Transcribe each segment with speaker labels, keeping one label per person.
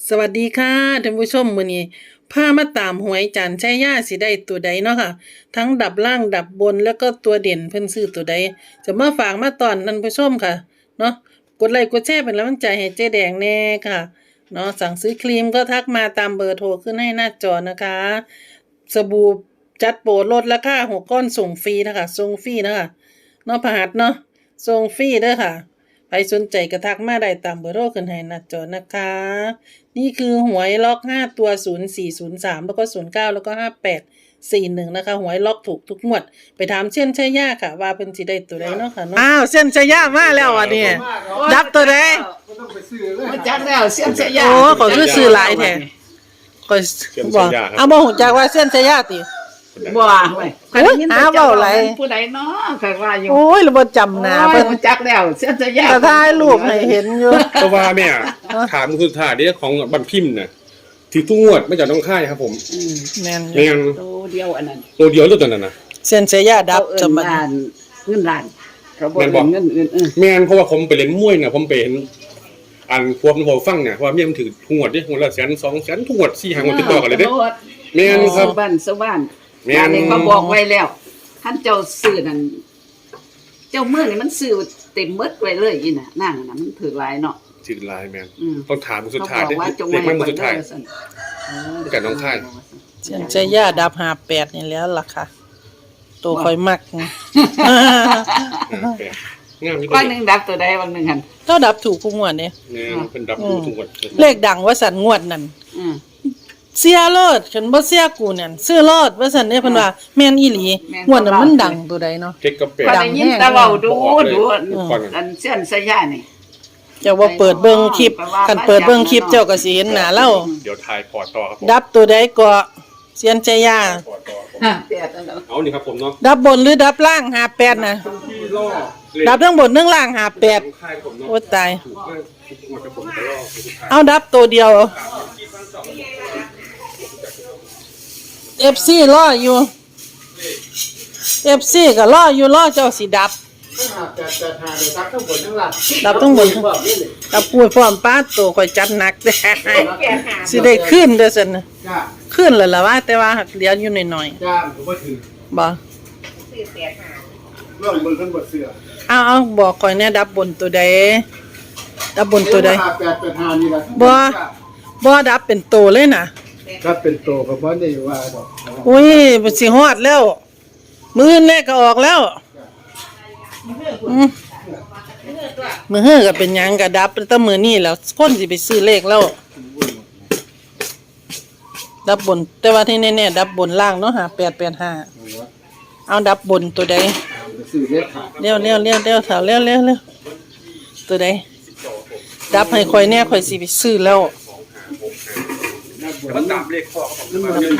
Speaker 1: สวัสดีค่ะท่านผู้ชมมื้อนี้พามาตามหวยจันชัยยาสิได้ตัวใดเนาะค่ะทั้งดับล่างดับบนแล้วก็ตัวเด่นเพิ่นซื้อตัวใดจะมาฝากมาตอนท่านผู้ชมค่ะเนาะกดไลค์กดแชร์เป็นกำลังใจให้เจ๊แดงแน่ค่ะเนาะสั่งซื้อครีมก็ทักมาตามเบอร์โทรขึ้นให้หน้าจอนะคะสบู่จัดโปรลดราคา6ก้อนส่งฟรีนะคะส่งฟรีนะคะเนาะพหัสเนาะส่งฟรีเด้อค่ะใครสนใจก็ทักมาได้ตามเบอร์โทรขึ้นให้หน้าจอนะคะนี่คือหวยล็อก5ตัว0403แล้วก็09แล้วก็5841นะคะหวยล็อกถูกทุกงวดไปถามเส้นชัยยาค่ะว่าเพิ่นสิได้ตัวใดเนาะค่ะเนาะอ้าวเส้นชัยยามาแล้วอ่ะนี่ดับตัวใด
Speaker 2: มาจักแล้วเสียนเสียยา
Speaker 1: โอ้ขอซื้อหลายแท้ข่อยบ่เอาบ่ฮู้จักว่าเส้นชัยยาติ
Speaker 2: บ่เว้ยใครได้ยินแต่เจ้าหลายผู้ใดเนาะใครว่าอยู่
Speaker 1: โอ้ยเราบ่จำหน้า
Speaker 2: เพิ่นมาจักแล้วเสียนเสียยา
Speaker 1: แต่ถ่ายรูปให้เห็นอยู่
Speaker 3: แต่ว่าแม่ถามคือถ่ายได้ของบันพิมพ์น่ะที่ทุกงวดไม่จากน้องค่ายครับผม
Speaker 1: แม่น
Speaker 2: ตัวเดียวอันนั้น
Speaker 3: ตัวเดียวตัวนั้นน่ะ
Speaker 1: เส้นชัยยาดับ
Speaker 2: จำมันเงินล้านเขาบ่เงินอื่น
Speaker 3: แม่นเพราะว่าผมไปเล่นมวยน่ะผมไปเห็นอันพวกผมฟังเนี่ยว่าเมียมันถือทุกงวดดิงวดละ100,000 200,000ทุกงวด4 5งวดติดต่อกันเลยเด้แม่นครับ
Speaker 2: บ้านสว่านแม่นเขาบอกไว้แล้วท่านเจ้าซื้อนั่นเจ้าเมื่อนี่มันซื้อเต็มหมดไว้เลยอีน่ะนั่งน่ะมันถือหลายเนาะ
Speaker 3: ถือหลายแม่นต้องถามสุดท้ายเด็กมันสุดท้ายกับน้องค่าย
Speaker 1: เส้นชัยยาดับ58นี่แล้วล่ะค่ะตัวค่อยมัก
Speaker 2: บางนึงดับตัวใดบางนึงหั่น
Speaker 1: ก็ดับถูกทุกงวดเนี่ย
Speaker 3: เพิ่นดับถูกทุกงวด
Speaker 1: เลขดังว่าสันงวดนั่นเสียรถฉันบ่เสียกูนั่นซื้อรถว่าซั่นเด้เพิ่นว่าแม่นอีหลีงวดนั้นมันดังตัวใดเนาะ
Speaker 3: 7กับ
Speaker 2: 8ดังแฮงตะเว้าดูอันเส้นสยานี่
Speaker 1: เจ้าว่าเปิดเบิ่งคลิปคันเปิดเบิ่งคลิปเจ้าก็สิเห็นหน้าเรา
Speaker 3: เดี๋ยวถ่ายพอร์ตต่อครับ
Speaker 1: ดับตัวใดก็เสียนชัยยา
Speaker 3: เอานี่ครับผมเนาะ
Speaker 1: ดับบนหรือดับล่าง58น่ะดับทั้งบนทั้งล่าง58โอ้ตายเอาดับตัวเดียวFC รออยู่ FC ก็รออยู่รอเจ้าสิดับดับทั้งบนดับพูดพร้อมป้าโตค่อยจัดหนักเด้สิได้ขึ้นเด้อซั่นน่ะขึ้นแล้วล่ะว่าแต่ว่าเหลืออยู่หน่อยๆจ้าบ่ถึงบ่เรื่องมึงเพิ่นบ่เชื่อเอาบอกข่อยแน่ดับบนตัวใดดับบนตัวใด885นี่ล่ะบ่ดับเป็นโตเลยน่ะ
Speaker 4: ครับเป็นโตก็บ่ได้ว่าดอก
Speaker 1: อุ้ยมันสิฮอดแล้วมื้อแรกก็ออกแล้วมื้อเฮือก็เป็นหยังก็ดับแต่มื้อนี้แล้วคนสิไปซื้อเลขแล้วดับบนแต่ว่าที่แน่ๆดับบนล่างเนาะ5885เอาดับบนตัวใด
Speaker 4: ซื้อเลขขาด
Speaker 1: เร็วๆเร็วตัวใดดับให้ข่อยแน่ข่อยสิไปซื้อแล้ว
Speaker 3: มันดับเลขพ่อครับผม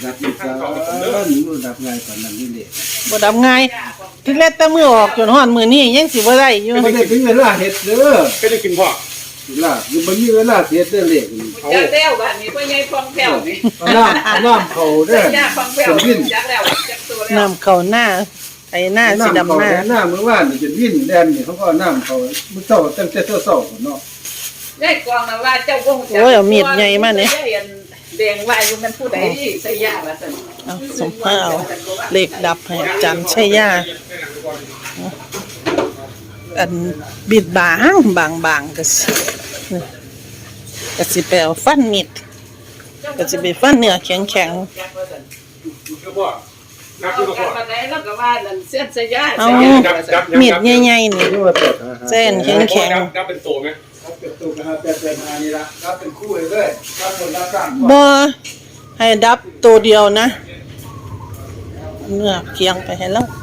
Speaker 4: ดับง่ายกว่านั้นนี่เด้
Speaker 1: บ่ดับง่ายถึงแล้วแต่มื้อออกจนฮอดมื้อนี้ยังสิบ่ได้อยู่
Speaker 4: บ่ได้ถึงเวลาเฮ็ดเด้อ
Speaker 3: ก็ได้กินพ่อ
Speaker 4: ล่ะอยู่บ่มีเวลาเฮ็ดเด้อเลขนี่
Speaker 2: จักแล้วบัดนี้พ่อใหญ่ฟองแผ่วนี่
Speaker 4: น้ำเข้าเด้อ
Speaker 2: จักแล้วจักตัวแล้ว
Speaker 1: น้ำเข้าหน้าไอ้หน้าสิดำหน้า
Speaker 4: มื้อวานนี่จะวินแดนนี่เขาก็น้ำเข้ามื้อเช้าตั้งแต่เช้าพุ่นเนาะ
Speaker 2: ได้กองน่ะว่าเจ้าบ่ฮู้จัก
Speaker 1: โอ้ยเอามีดใหญ่มานี่
Speaker 2: แดงว่าอยู่มันผู้ใดใส่ยาว่าซั่น
Speaker 1: เอาสมภาเอาเลขดับให้จันชัยยาอันบิดบางก็สิไปเอาฟันมีดก็สิไปฟันเนื้อแข็งเอามีดใหญ่ๆนี่เส้นแข็ง
Speaker 3: ดับเป็นโตมั้ย
Speaker 4: เป็นตัว885นี่ล่ะรับเป็นคู่เลยรับคนละ3
Speaker 1: บ่ให้ดับตัวเดียวนะเนื้อเคียงไปให้แล้ว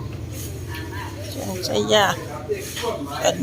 Speaker 1: ใช้ยา
Speaker 4: กัน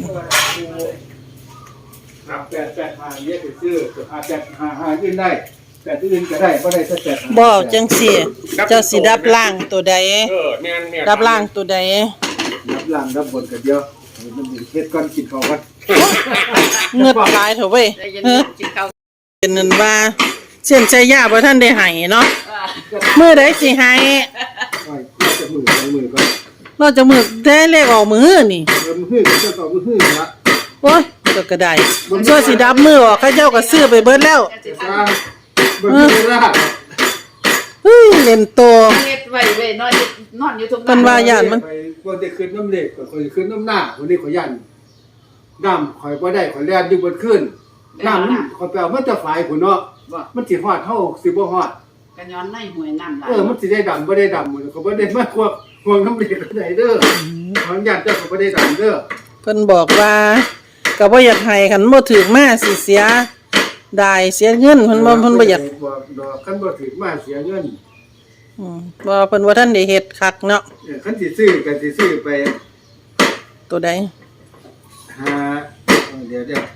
Speaker 4: 885เนี่ยคือซื้อ855อื่นได้แต่อื่นก็ได้บ่ได้แต่8
Speaker 1: บ่จังซี่เจ้าสิดับล่างตัวใด
Speaker 3: แม่น
Speaker 1: ดับล่างตัวใด
Speaker 4: ดับล่างดับบนก็เดียวมันเฮ็ดก่อนกินข้าวก่อน
Speaker 1: เงือดหลายเถอะเว้ยเป็นนั่นว่าเส้นชัยยาบ่ทันได้ให้เนาะมื้อใดสิให้
Speaker 4: จะมือก่อน
Speaker 1: เราจะมือได้เลขออกมื้อนี่
Speaker 4: มื้อก็จะต่อมื้อละ
Speaker 1: โอ้ยก็ได้ส่วนสิดับมือออกเขาเจ้าก็ซื้อไปเบิดแล้ว
Speaker 4: สร้างบนเวลา
Speaker 1: เฮ้ยเล่นโต
Speaker 2: เฮ็ดไว้เว้ยนอนอยู่ตรง
Speaker 1: เพิ่นว่าย่านมัน
Speaker 4: ไปคนที่ขึ้นน้ำเหล็กกับคนที่ขึ้นน้ำหน้าคนนี้ขอยันน้ำข่อยบ่ได้ข่อยแล่นอยู่บนขึ้นน้ำมันข่อยไปเอามันจะฝ่ายพุ่นเนาะ
Speaker 2: บ่
Speaker 4: มันสิฮอดเฮาสิบ่ฮอด
Speaker 2: กันย้อนในห้วยน้ำหลาย
Speaker 4: มันสิได้ดำบ่ได้ดำมันก็บ่ได้มาควงน้ำเหล็กก็ได้เด้อขออนุญาตเจ้าก็บ่ได้ดำเด้อ
Speaker 1: เพิ่นบอกว่าก็บ่อยากให้คันบ่ถึกมาสิเสียได้เสียเงินเพิ่นบ่อยาก
Speaker 4: ดอกคันบ่ถึงมาเสียเงิน
Speaker 1: บ่เพิ่นว่าท่านได้เฮ็ดคักเนาะ
Speaker 4: คันสิซื้อก็สิซื้อไป
Speaker 1: ตัวใด
Speaker 4: หาเดี๋ยว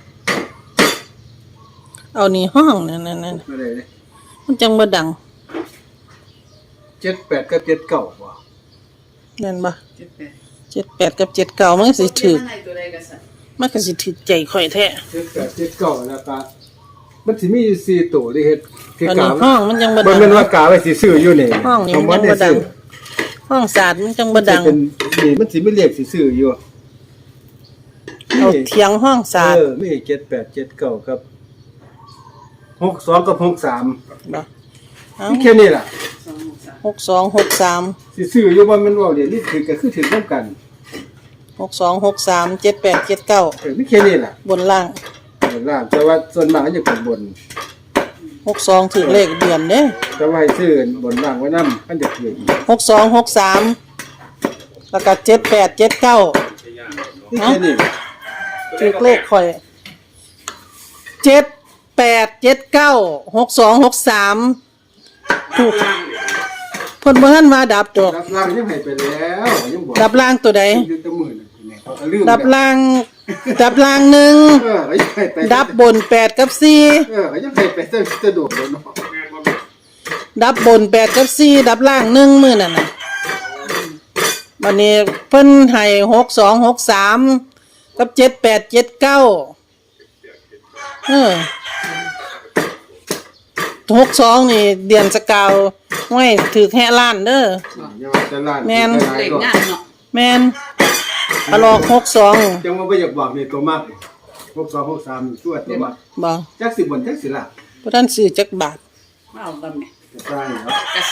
Speaker 1: เอานี่ห้องนั่น
Speaker 4: มาได้เลย
Speaker 1: ๆมันจังบ่ดัง
Speaker 4: 78กับ79บ่
Speaker 1: นั่นบ่
Speaker 2: 78
Speaker 1: 78กับ79มันก็สิถึก
Speaker 2: ในตัวใดก็สั่น
Speaker 1: มันก็สิถึกใจข่อยแท้
Speaker 4: 78 79แล้วก็มันสิมีอยู่4ตัวที่เฮ็ดที่
Speaker 1: อัน
Speaker 4: กา
Speaker 1: นี้ห้องมันจังบ่
Speaker 4: บ่
Speaker 1: ดัง
Speaker 4: แม่นว่ากาไว้สิซื้ออยู่นี่
Speaker 1: ห้องนี่มันจังบ่ดังห้องสาดมันจังบ่ดัง
Speaker 4: เป็นนี่มันสิมีเลขสิซื้ออยู่
Speaker 1: เอาเถียงห้องสาด
Speaker 4: มี7879กับ62กับ63
Speaker 1: บ่เอ้า
Speaker 4: มีแค่นี้ล่ะ
Speaker 1: 6263
Speaker 4: สิซื้ออยู่ว่ามันเว้าเดี๋ยวนี้ถือก็คือถือนำกัน
Speaker 1: 6263 7879
Speaker 4: มีแค่นี้ล่ะ
Speaker 1: บนล่าง
Speaker 4: ล่างแต่ว่าส่วนมากมันจะเป็นบน
Speaker 1: 62ถึงเลขเดือนเด้
Speaker 4: แต่ว่าให้ซื้อบนล่างไว้นำมันจะถือ
Speaker 1: 6263แล้วก็7879
Speaker 4: มีแค่นี้
Speaker 1: ถึกเลขข่อย78796263ถูกเพิ่นบ่ทันว่าดับดอก
Speaker 4: รับล่างยังให้ไปแล้วยังบอก
Speaker 1: ดับล่างตัวใด
Speaker 4: อยู่แตะมื้อนั่นแหละเขาก็ลืม
Speaker 1: ดับล่างหนึ่ง
Speaker 4: เขายังให้ไป
Speaker 1: ดับบน8กับ4
Speaker 4: เขายังให้ไปสะดวกเลยเนาะ
Speaker 1: ดับบน8กับ4ดับล่าง1มื้อนั่นน่ะบัดนี้เพิ่นให้6263กับ787962นี่เดือนสกาวห้วยถือแห่ล้านเด้อ
Speaker 4: ยังว่าจะล้าน
Speaker 1: แม่น
Speaker 2: เลขงานเนาะ
Speaker 1: แม่นปลอก62
Speaker 4: จังว่าบ่อยากบอกนี่ตัวมาก6263ชั่วตัวมาก
Speaker 1: บ่
Speaker 4: จักสิบนจักสิล่ะ
Speaker 1: บ่ทันซื้อจักบาท
Speaker 2: มาเอากันแม่
Speaker 4: จะใช่ครับ
Speaker 2: กะ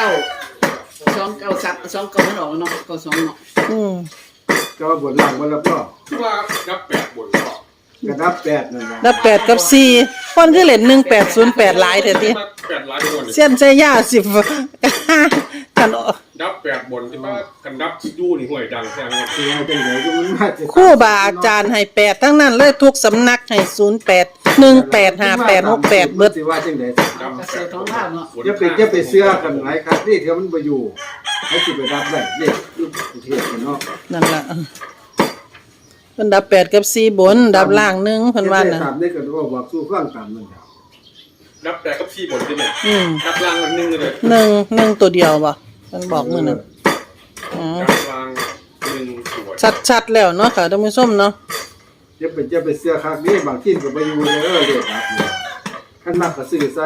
Speaker 2: 29มันออกเนาะ92เนาะ
Speaker 4: ก็บนล่างบ่แล้วก็
Speaker 3: ว่านับแปดบนก็
Speaker 4: กระดับ8นั่นล่ะ
Speaker 1: ดับ8กับ4คนคือเล่น1808หลายแท้ติ
Speaker 3: แปดหลายบน
Speaker 1: เส้นใช้ยา10กัน
Speaker 3: นับแปดบนที่ว่ากันนับดูนี่ห่วยดังแค่ไหน
Speaker 4: สิเอาจังได๋ก็มันมาจะ
Speaker 1: ครูบาอาจารย์ให้8ทั้งนั้นเลยทุกสำนักให้08 185868เบิด
Speaker 4: สิว่าจังได๋
Speaker 3: นับ
Speaker 2: กะ
Speaker 3: แป
Speaker 2: เสือ
Speaker 3: ด
Speaker 2: ท้องลาวเนาะ
Speaker 4: อย่าไปเชื่อกันหลายครับนี่เดี๋ยวมันบ่อยู่ให้สิไปรับได้เด็กอยู่ประเทศกันเนาะ
Speaker 1: นั่นล่ะเพิ่นดับ8กับ4บนดับล่าง1เพิ่นว่าน่ะ
Speaker 4: ตามได้ก็ว่าบอกสู้ฟังตามนั่นครับ
Speaker 3: นับแปดกับสี่บนใช่ไหม
Speaker 1: อืม
Speaker 3: นับล่างกันหนึ่งเลย
Speaker 1: 1ตัวเดียวบ่เพิ่นบอกมื้อนั้นอ๋อ
Speaker 3: นับล่างหนึ่งส่วน
Speaker 1: ชัดๆแล้วเนาะค่ะท่านผู้ชมเนาะ
Speaker 4: อย่าไปเชื่อคักนี่บางทีก็บ่อยู่เลยเด้อครับคันมักก็ซื้อใส่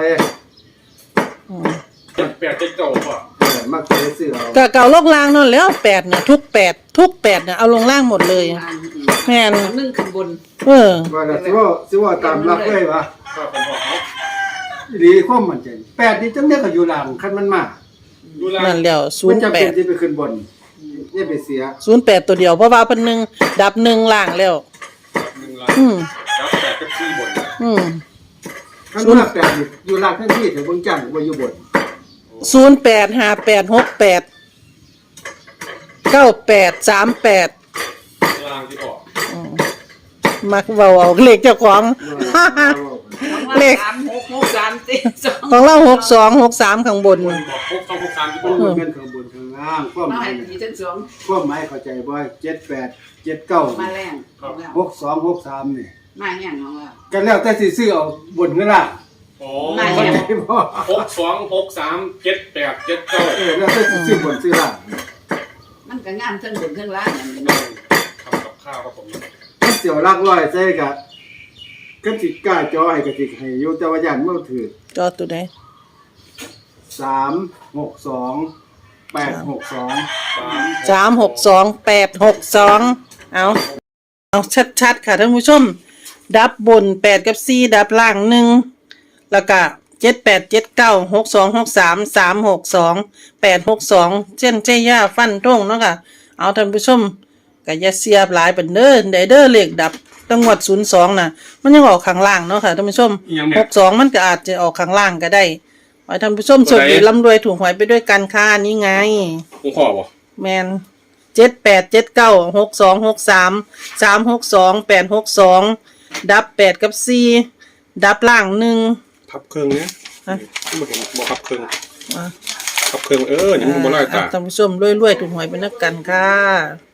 Speaker 3: เจ็ดแปดเจ็ดเก้าป่ะ
Speaker 4: มักจะซื้อเอา
Speaker 1: ก็เก่าลงล่างนั่นแล้ว8น่ะทุก8น่ะเอาลงล่างหมดเลย แม่น
Speaker 2: เอานึ่งขึ้นบน
Speaker 4: ว่าล่ะสิว่าตามหลักเลยว่า
Speaker 3: ก็เป็นพอเขา
Speaker 4: อีหลีความมั่นใจ8นี่จังได๋ก็อยู่ล่างคันมันมา
Speaker 3: ดูล่าง
Speaker 1: นั่นแล้ว
Speaker 4: มันจะเป็นที่
Speaker 1: 08
Speaker 4: ไปขึ้นบนอย่าไปเสีย
Speaker 1: 08ตัวเดียวเพราะว่าเพิ่น1ดับ1ล่างแล้ว
Speaker 3: หนึ่งล่าง
Speaker 1: อืม
Speaker 3: นับแปดกับสี่บน
Speaker 1: อืม
Speaker 4: คันมา8นี่อยู่ล่างทันทีแต่เบิ่งจังบ่อยู่บน
Speaker 1: 085868 9838
Speaker 3: ล่างที่ออก
Speaker 1: มักเว้าเอาเลขเจ้าของ เลข
Speaker 2: 3663
Speaker 1: ของเรา6263ข้างบน
Speaker 3: บนบอกพกต้องพกการที่บ
Speaker 4: บ่
Speaker 3: น
Speaker 4: รู้เงินข้างบนข้างล่างความ
Speaker 2: มา
Speaker 4: หมา
Speaker 2: ให้
Speaker 4: ย
Speaker 2: ดีทั้งสอง
Speaker 4: ความหมายเข้าใจบ่78 79
Speaker 2: มาแรงของเรา
Speaker 4: 6263นี่
Speaker 2: มาแห้งของเรา
Speaker 4: กันแล้วแต่สิซื้อเอาบนเงินล่าง
Speaker 3: โอ้
Speaker 4: เข้าใจบ่
Speaker 3: หกสองหกสามเจ็ดแปดเจ็ดเก้า
Speaker 4: แล้วแต่สิซื้อบนซื้อล่าง
Speaker 2: มันก็งามทั้งบนทั้งล่างอย่างนี้
Speaker 3: นั่งทำกับข้าวครับผม
Speaker 4: มันเสียวลักร้อยใส่กะก็สิกล้าจอให้ก็สิให้อยู่แต่ว่าย่านมันถือ
Speaker 1: จอตัวใด
Speaker 4: 362 862
Speaker 1: 362 862เอาชัดๆค่ะท่านผู้ชมดับบน8กับ4ดับล่าง1แล้วก็78796263362862เส้นใจย่าฟันทงเนาะค่ะเอาท่านผู้ชมก็อย่าเสียบหลายปานเด้อได้เด้อเลขดับจังหวัด02น่ะมันยังออกข้างล่างเนาะค่ะท่านผู้ชม62มันก็อาจจะออกข้างล่างก็ได้ขอให้ท่านผู้ชมโชคดีร่ำรวยถูกหวยไปด้วยกันค่ะนี่ไง
Speaker 3: ผมขอบ่
Speaker 1: แมน78796263362862ดับ8กับ4ดับล่าง1
Speaker 3: พับเครื่องเนี้ย
Speaker 1: ฮะ
Speaker 3: บ่เห็นบ่พับเครื่อง
Speaker 1: อ่ะ
Speaker 3: พับเครื่องอย่างมันบ่ลอยตา
Speaker 1: ท่านผู้ชมรวยๆถูกหวยไปนักกันค่ะ